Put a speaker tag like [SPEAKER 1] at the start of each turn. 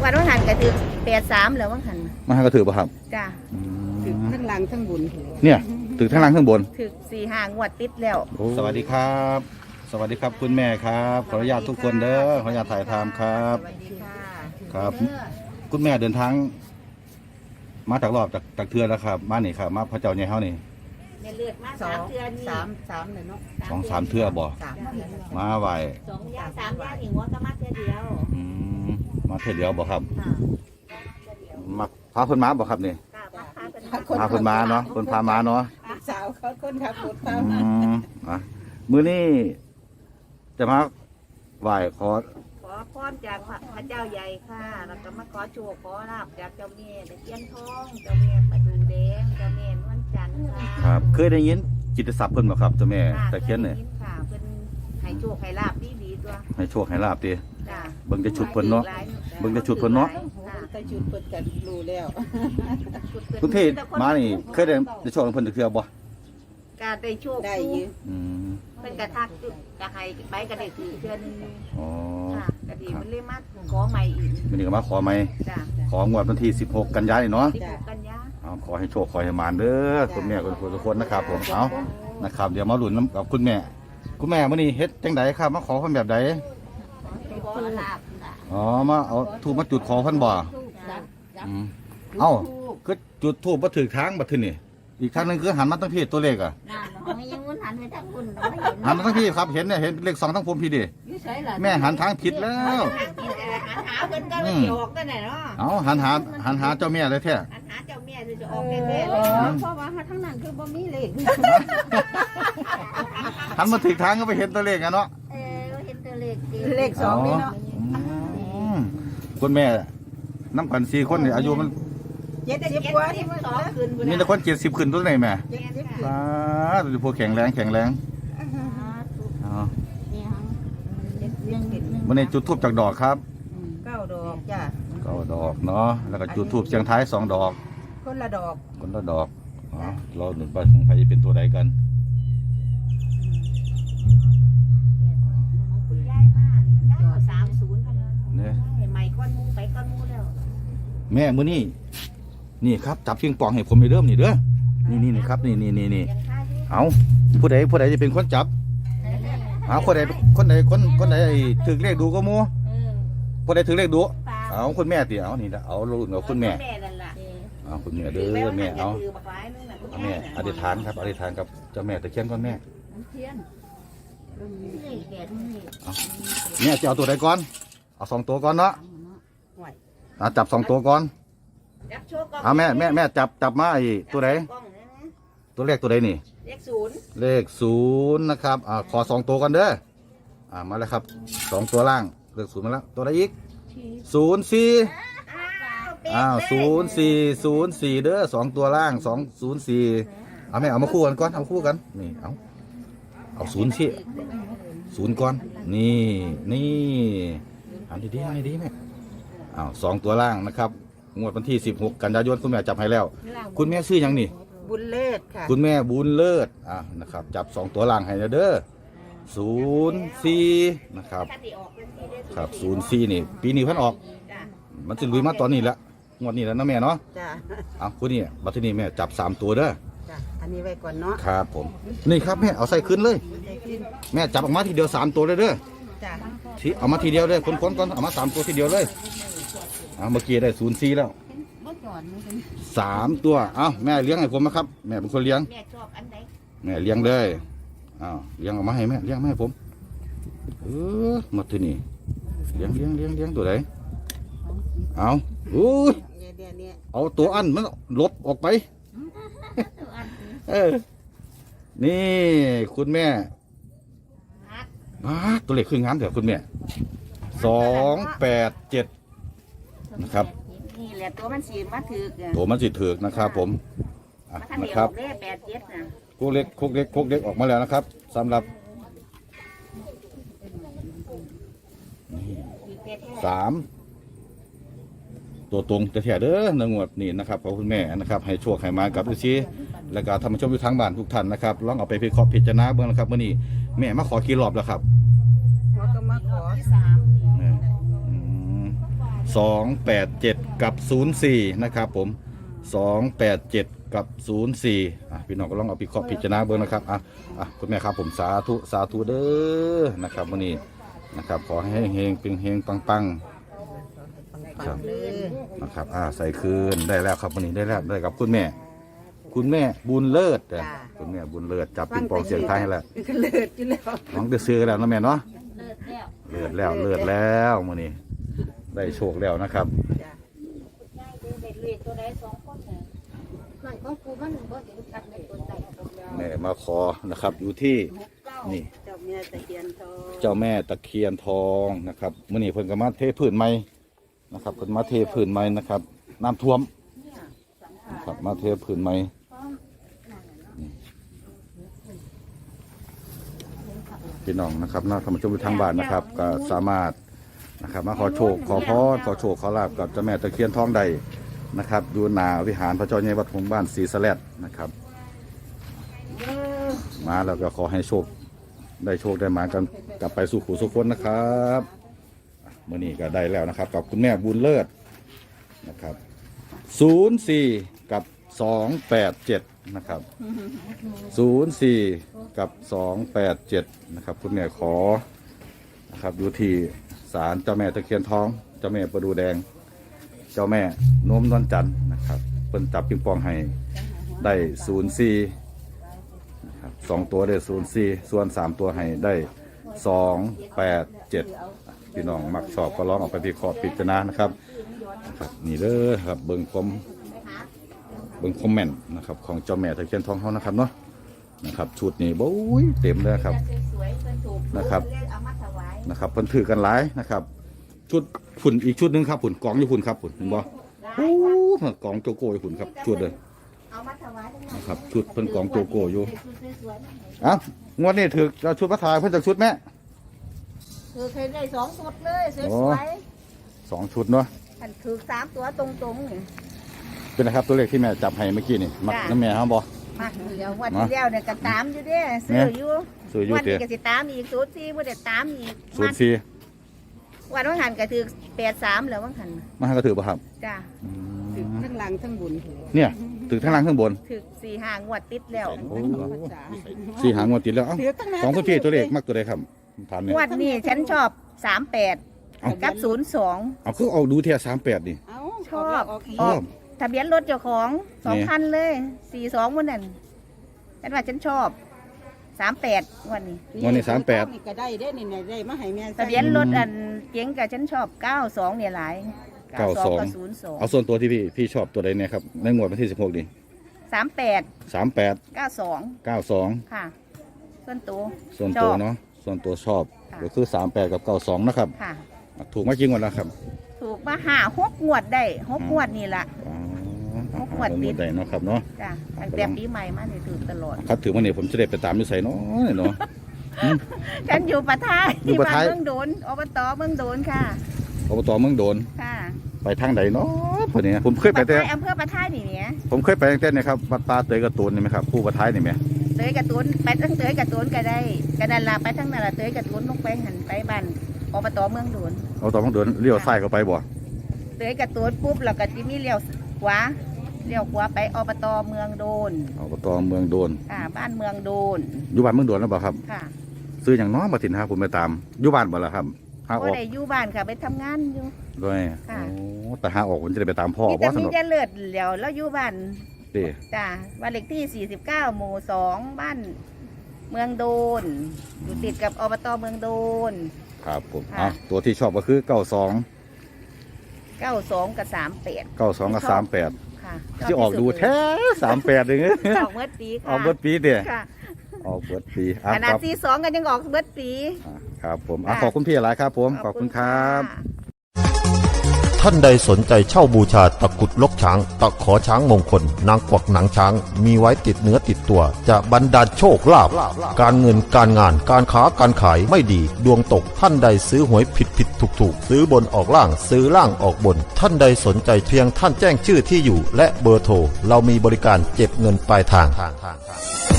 [SPEAKER 1] วันวันหันกระถือ83แล้ววันหัน
[SPEAKER 2] มาให้กระถือป่ะครับ
[SPEAKER 1] จ้า
[SPEAKER 3] ถึงทั้งหลังทั้งบุญ
[SPEAKER 2] เนี่ยถือทั้งล่างทั้งบน
[SPEAKER 1] ถึก4-5 งวดติดแล้ว
[SPEAKER 2] สวัสดีครับ สวัสดีครับคุณแม่ครับขออนุญาตทุกคนเด้อขออนุญาตถ่ายทำครับ
[SPEAKER 1] สวัสดีค่ะ
[SPEAKER 2] ครับ คุณแม่เดินทางมาจากรอบจากเทือแล้วครับมานี่ครับมาพระเจ้าใหญ่เฮานี่
[SPEAKER 1] แม่เลือดมา
[SPEAKER 3] สอ
[SPEAKER 1] 3
[SPEAKER 3] ง
[SPEAKER 1] เทื่อนี่
[SPEAKER 3] สามเลยเนาะ
[SPEAKER 2] 2-3เทือบ่
[SPEAKER 3] สาม
[SPEAKER 2] มาไหว
[SPEAKER 1] 2 ย่าง3 ย่างอีกหัวก็มาเทื่อเดียว
[SPEAKER 2] อืมมาเทื่อเดียวบ่ครับ
[SPEAKER 1] ค่ะ
[SPEAKER 2] มาพาเพิ่นมาบ่ครับนี่
[SPEAKER 1] ค่ะพาเพิ่นมา
[SPEAKER 2] พาเพิ่นมาเนาะเพิ่นพามาเนาะ
[SPEAKER 3] สาวเขาคนขับรถ
[SPEAKER 2] อื
[SPEAKER 3] ตาม
[SPEAKER 2] มอ่ะมื้อนี้จะมาไหว้ขอ
[SPEAKER 1] ขอพรจากพระเจ้าใหญ่ค่ะแล้วก็มาขอโชคขอลาภจากเจ้าแม่ตะเคียนทองเจ้าแม่ประดูแดงเจ้าแม่นวลจันทร์ค่ะ
[SPEAKER 2] ครับเคยได้ยินจิตรศัพท์เพิ่นบ่ครับเจ้าแม่ตะเคียนเนี่ย
[SPEAKER 1] ค่ะเพิ่นให้โชคให้ลาภดีๆตัว
[SPEAKER 2] ให้โชคให้ลาบติ
[SPEAKER 1] จ้า
[SPEAKER 2] เบิ่งแต่ชุดเพิ่นเนาะเบิ่งแต่ชุดเพิ่นเนาะ
[SPEAKER 3] แต่ชุดเปิดกันรู้แล้ว
[SPEAKER 2] คุณพี่มานี่เคยได้โชคของเพิ่นจักเทื่อบ่
[SPEAKER 1] การได้โชค
[SPEAKER 3] ได้อยืม
[SPEAKER 2] อืม
[SPEAKER 1] เพิ่นกระทักจะให้ไปก็ได้ถือเทื่อนึง
[SPEAKER 2] อ๋อ
[SPEAKER 1] ค่ะก็ดีมันเลยมาขอใหม่อีก
[SPEAKER 2] มื้อนี้ก็มาขอใหม่
[SPEAKER 1] จ้า
[SPEAKER 2] ของวดวันที่16กันยายนเนาะ
[SPEAKER 1] 16 กันยา
[SPEAKER 2] เอาขอให้โชคขอให้มานเด้อคุณแม่ทุกคนนะครับผมเอานะครับเดี๋ยวมาลุ้นนำกับคุณแม่ คุณแม่มื้อนี้เฮ็ดจังไดครับมาขอเพิ่นแบบใด
[SPEAKER 1] ขอลาภจ้ะ
[SPEAKER 2] อ๋อมาเอาธูปมาจุดขอเพิ่นบ่อืมเอ้าคือจุดธูปบ่ถูกทางบัดทีนี่อีกทางหนึงคือหันมาทางพี่ตัวเลขอ่ะ
[SPEAKER 1] นั่นเนาะยังมันหันไปทางคุณไม่เห็น
[SPEAKER 2] หันมาทางพี่ครับเห็นเนี่ยเห็นเลข2ทั้งผมพี่ดิแม่หันทางผิดแล้ว
[SPEAKER 1] หันหาเพิ่นก็ไม่สิออกกันไหนเนาะ
[SPEAKER 2] เอาหันหาเจ้าแม่เลยแท้
[SPEAKER 1] หันหาเจ้าแม่จะออกแน่ๆเลย
[SPEAKER 3] เพราะว่าทั้งนั้นคือบ่มีเลข
[SPEAKER 2] หันมาถึงทางก็ไปเห็นตัวเลขอะเนาะ
[SPEAKER 1] เห็นตัวเลขดี
[SPEAKER 3] เลขสองนี่เนาะ
[SPEAKER 2] มคุณแม่น้ำกัน4คนนี่อายุมัน
[SPEAKER 3] 70กว่าที่มัน
[SPEAKER 1] 2 คืน
[SPEAKER 2] มีแต่คน70ขึ้นตัวไหนแม่
[SPEAKER 3] 70
[SPEAKER 2] ป้าดูพวกแข็งแรงอ๋อวันนี้จุดทูบจากดอกครับ
[SPEAKER 3] 9ดอกจ้ะ
[SPEAKER 2] ก็ดอกเนาะแล้วก็จุดทูบเสียงท้าย2ดอก
[SPEAKER 3] คนละดอก
[SPEAKER 2] คนละดอกอ๋อเราหนุนไปของใครจะเป็นตัวใดกัน
[SPEAKER 1] คุณยายมาก930พัน
[SPEAKER 2] เนี่ย
[SPEAKER 1] ให้ใหม่ก้อนมูไปก้อนมูแล้ว
[SPEAKER 2] แม่มื้อนี้นี่ครับจับปิงปองให้ผมไปเริ่มนี่เด้อนี่ครับนี่
[SPEAKER 1] ยังค่าที่
[SPEAKER 2] เอาผู้ใดจะเป็นคนจับเอาคนใดไอ้ถือเลขดูก็มัวผู้ใดถือเลขดูเอาคุณแม่ติเอานี่ละเอาลูกเอาคุณแม่
[SPEAKER 1] นั่นล่ะ
[SPEAKER 2] เอาคุณแม่เด้อแม่เอาเอาแม่อธิษฐานครับอธิษฐานกับเจ้าแม่ตะเคียนก่อนแม่แม่จะเอาตัวใดก่อนเอา2ตัวก่อนเนาะเอาจับ2ตัวก่อนเอาแม่จับมาไอ้ตัวใดตัวเลขตัวใดนี่ เลข0นะครับขอ2ตัวก่อนเด้อมาแล้วครับ2ตัวล่างเลข0มาแล้วตัวใดอีก0404เด้อ2ตัวล่าง204เอาแม่เอามาคู่กันก่อนเอาคู่กันนี่เอา0สิ0ก่อนนี่อันดีแม่2ตัวล่างนะครับงวดวันที่16กันยายนคุณแม่จับให้แล้ว คุณแม่ชื่อหยังนี่
[SPEAKER 3] บุญเลิศค่ะ
[SPEAKER 2] คุณแม่บุญเลิศนะครับจับ2ตัวล่างให้นะเด้อ04นะครับครับ04นี่ปีนี้เพิ่นออกมันจะลุยมาตอนนี้ละงวดนี้แล้วนะแม่เนาะ
[SPEAKER 3] จ้ะ
[SPEAKER 2] คุณนี่บัดทีนี้แม่จับ3ตัวเด้อ
[SPEAKER 3] จ้ะอันนี้ไว้ก่อนเนาะ
[SPEAKER 2] ครับผมนี่ครับแม่เอาใส่ขึ้นเลย
[SPEAKER 3] ได้ขึ้น
[SPEAKER 2] แม่จับออกมาทีเดียว3ตัวเลยเด้อ
[SPEAKER 3] จ้ะ
[SPEAKER 2] ที่เอามาทีเดียวเลยคนก่อนเอามา3ตัวทีเดียวเลยเมื่อกี้ได้04แล้ว3ตัวแม่เลี้ยงให้ผมนะครับแม่เป็นคนเลี้ยง
[SPEAKER 1] แม่ชอบอันไหน
[SPEAKER 2] แม่เลี้ยงเลยเลี้ยงออกมาให้แม่เลี้ยงมาให้ผมมาที่นี่เลี้ยงตัวไหนอุ้ย
[SPEAKER 3] เนี่ย
[SPEAKER 2] เอาตัวอันมันลบออกไปนี่คุณแม่ตัวเลขคืองามเถอะคุณแม่287นะครับ
[SPEAKER 1] นี่แหละตัวมันสีมาถือ
[SPEAKER 2] ตัวมันสิถือกนะครับผม
[SPEAKER 1] มัน
[SPEAKER 2] นะ
[SPEAKER 1] ทำ
[SPEAKER 2] ครับ
[SPEAKER 1] เลข87นะ
[SPEAKER 2] โคกเล็กออกมาแล้วนะครับสำหรับ3ตัวตรงจะแถเด้อในงวดนี้นะครับขอบคุณแม่นะครับให้โชคให้มากับทุกทีและก็ท่านผู้ชมอยู่ทางบ้านทุกท่านนะครับลองเอาไปพิเคราะห์พิจารณาเบื้องนะครับเมื่อนี้แม่มาขอกี่รอบแล้วครับ
[SPEAKER 3] หัวก็มาขอ
[SPEAKER 1] 3
[SPEAKER 2] อืม 287กับ04นะครับผม287กับ04พี่น้องก็ลองเอาไปเคาะพิจารณาเบิ่งนะครับคุณแม่ครับผมสาธุเด้อนะครับวันนี้นะครับขอให้เฮงๆเฮงๆปังๆครับนะครับใส่คืนได้แล้วครับวันนี้ได้แล้วได้กับคุณแม่บุญเลิศคุณแม่บุญเลิศจับปิงปองเสียงไทยให้แล้ว
[SPEAKER 3] เลิศอยู่แล้ว
[SPEAKER 2] น้องได้ซื้อแล้วนะแม่เนาะ
[SPEAKER 1] เลิศแล้ว
[SPEAKER 2] เลิศแล้วมื้อนี้ได้โชคแล้วนะครับ
[SPEAKER 3] จ้ะ
[SPEAKER 1] ตัวใด2คนน่ะนั่นของกูมันบ่เห็นชัดในตัวใดตัวเดียว
[SPEAKER 2] แม่มาขอนะครับอยู่ที่นี่
[SPEAKER 3] เจ้าแม่ตะเคียนทอง
[SPEAKER 2] เจ้าแม่ตะเคียนทองนะครับมื้อนี้เพิ่นก็มาเทพื้นใหม่นะครับเพิ่นมาเทพื้นใหม่นะครับน้ำท่วมนะครับมาเทพื้นใหม่พี่น้องนะครับน่าท่านผู้ชมทางบ้านนะครับก็สามารถนะครับมาขอโชคขอพรขอโชคขอลาภกับเจ้าแม่ตะเคียนทองใดนะครับอยู่หน้าวิหารพระเจ้าใหญ่วัดหงส์บ้านศรีสะแลดนะครับมาแล้วก็ขอให้โชคได้มากันกลับไปสู่ขู่สุขคนนะครับมื้อนี้ก็ได้แล้วนะครับกับคุณแม่บุญเลิศนะครับ04กับ287นะครับ04กับ287นะครับคุณแม่ขอนะครับอยู่ที่ศาลเจ้าแม่ตะเคียนทองเจ้าแม่ประดูแดงเจ้าแม่โน้มนวลจันทร์นะครับเพิ่นจับปิงปองให้ได้04นะครับ2ตัวได้04ส่วน3ตัวให้ได้287พี่น้องมักชอบก็ลองเอาไปพิเคราะห์พิจารณานะครับนี่เด้อครับเบิ่งคอมเมนต์นะครับของเจ้าแม่ตะเคียนทองเขานะครับเนาะนะครับชุดนี้โอ้ยเต็มเลยครับนะครับเพิ่นถือกันหลายนะครับชุดฝุ่นอีกชุดนึงครับฝุ่นกองอยู่ฝุ่นครับฝุ่นเห็นบ่โอ้กองโจโก้อยู่ฝุ่นครับชุดเลยนะครับชุดเพิ่นกองโจโก้อยู่งวดนี้ถือเราชุดพระทายเพิ่นจากชุดแม่
[SPEAKER 1] คือเคยได้2ชุดเลยสวย
[SPEAKER 2] ๆ2ชุดเนาะ
[SPEAKER 1] อันถือ3ตัวตรงๆนี่
[SPEAKER 2] เป็นนะครับตัวเลขที่แม่จับให้เมื่อกี้นี่มักน้ำแม่ครับบ่
[SPEAKER 1] มักเดี๋ยววันที่แล้วเนี่ยก็ตามอยู่เด้ซื้ออยู่วันนี้ก็สิตามอีก04บ่ได้ตามอีก
[SPEAKER 2] 04
[SPEAKER 1] วันหันก็ถือ83แล้ววันหัน
[SPEAKER 2] มาก็ถือบ่ครับ
[SPEAKER 1] จ้ะ
[SPEAKER 3] ถึงทั้งหลังทั้งบน
[SPEAKER 2] เนี่ยถือทั้งล่างทั้งบน
[SPEAKER 1] ถือ4-5งวดติดแล้ว
[SPEAKER 2] 4 หางวดติดแล้วของคุณพี่ตัวเลขมักตัวใดครับถามเนี่ย
[SPEAKER 1] งวดนี้ฉันชอบ38กับ02
[SPEAKER 2] เอาคือเอาดูเทีย38นี่
[SPEAKER 1] ชอบทะเบียนรถเจ้าของ2คันเลย42มื้อนั้นฉันว่าฉันชอบ38วันนี้
[SPEAKER 3] ก็ได้เด้นี่ได้มาให้แม่
[SPEAKER 1] ทะเบียนรถอันเก๋งกับฉันชอบ92เนี่ยหลาย
[SPEAKER 2] 92กับ02เอาส่วนตัวที่พี่ชอบตัวใดเนี่ยครับในงวดวันที่16นี่38 92
[SPEAKER 1] ค่ะส่วนตัว
[SPEAKER 2] เนาะส่วนตัวชอบก็คือ38กับ92นะครับ
[SPEAKER 1] ค่ะ
[SPEAKER 2] ถูกมากี่งวดแล้วครับ
[SPEAKER 1] ถูกมา6งวดได้6งวดนี่ล่ะ6งวดติด
[SPEAKER 2] ได้เนาะครับเนาะ
[SPEAKER 1] จ้ะตั้งแต่ปีใหม่มานี่ถือตลอด
[SPEAKER 2] ครับถือว่าเนี่ยผมจะได้ไปตามอยู่ไสเนาะ
[SPEAKER 1] ฉันอยู่ปะท้ายที่บ้านเมืองโดนอบตเมืองโดนค่ะ
[SPEAKER 2] อบตเมืองโดน
[SPEAKER 1] ค่ะ
[SPEAKER 2] ไปทางใดเนาะพอดีผมเคยไปแต่
[SPEAKER 1] อำเภอปะท้ายนี่เนี่ย
[SPEAKER 2] ผมเคยไปตั้งแต่เนี่ยครับวัดป่าเตยกระตูนนี่ไหมครับผู้ปะท้ายนี่ไหม
[SPEAKER 1] เตยกระตูนไปทั้งเตยกระตูนก็ได้กระดานลาไปทั้งนั่นละเตยกระตูนลงไปหันไปบ้านอบตเมืองโดน
[SPEAKER 2] อบตเมืองโดนเลี้ยวซ้ายเข้าไปบ่
[SPEAKER 1] เตยกระตูนปุ๊บแล้วก็จะมีเลี้ยวขวาไปอบตเมืองโดน
[SPEAKER 2] อบตเมืองโดน
[SPEAKER 1] บ้านเมืองโดน
[SPEAKER 2] อยู่บ้านเมืองโดนแล้วบ่ครับ
[SPEAKER 1] ค่ะ
[SPEAKER 2] ซื้ออย่างน้อยมาถิ่นหาผมไปตามอยู่บ้านบ่ล่ะครับ
[SPEAKER 1] หาออกได้อยู่บ้านค่ะไปทำงานอยู่
[SPEAKER 2] ด้วยแต่หาออกผมจะได้ไปตามพ่อ
[SPEAKER 1] ว่าสนุกมีแต่เลือดแล้วอยู่บ้านจ้าบ้านเลขที่49หมู่2บ้านเมืองโดนอยู่ติดกับอบตเมืองโดน
[SPEAKER 2] ครับผมตัวที่ชอบก็คือ92
[SPEAKER 1] กับ38
[SPEAKER 2] 92กับ38ค่ะที่ออกดูแท้38อย่างเงี้ย
[SPEAKER 1] ออกเมื่อปีค่ะ
[SPEAKER 2] ออกเมื่อปีเด้ออกเมื่อปี
[SPEAKER 1] ขนาด42กันยังออกเมื่อปี
[SPEAKER 2] ครับผมขอบคุณพี่หลายครับผมขอบคุณครับ
[SPEAKER 4] ท่านใดสนใจเช่าบูชาตะกุดลกช้างตะขอช้างมงคลนางกวักหนังช้างมีไว้ติดเนื้อติดตัวจะบรรดาลโชคลาภการเงินการงานการค้าการขายไม่ดีดวงตกท่านใดซื้อหวยผิดถูกซื้อบนออกล่างซื้อล่างออกบนท่านใดสนใจเพียงท่านแจ้งชื่อที่อยู่และเบอร์โทรเรามีบริการเก็บเงินปลายทาง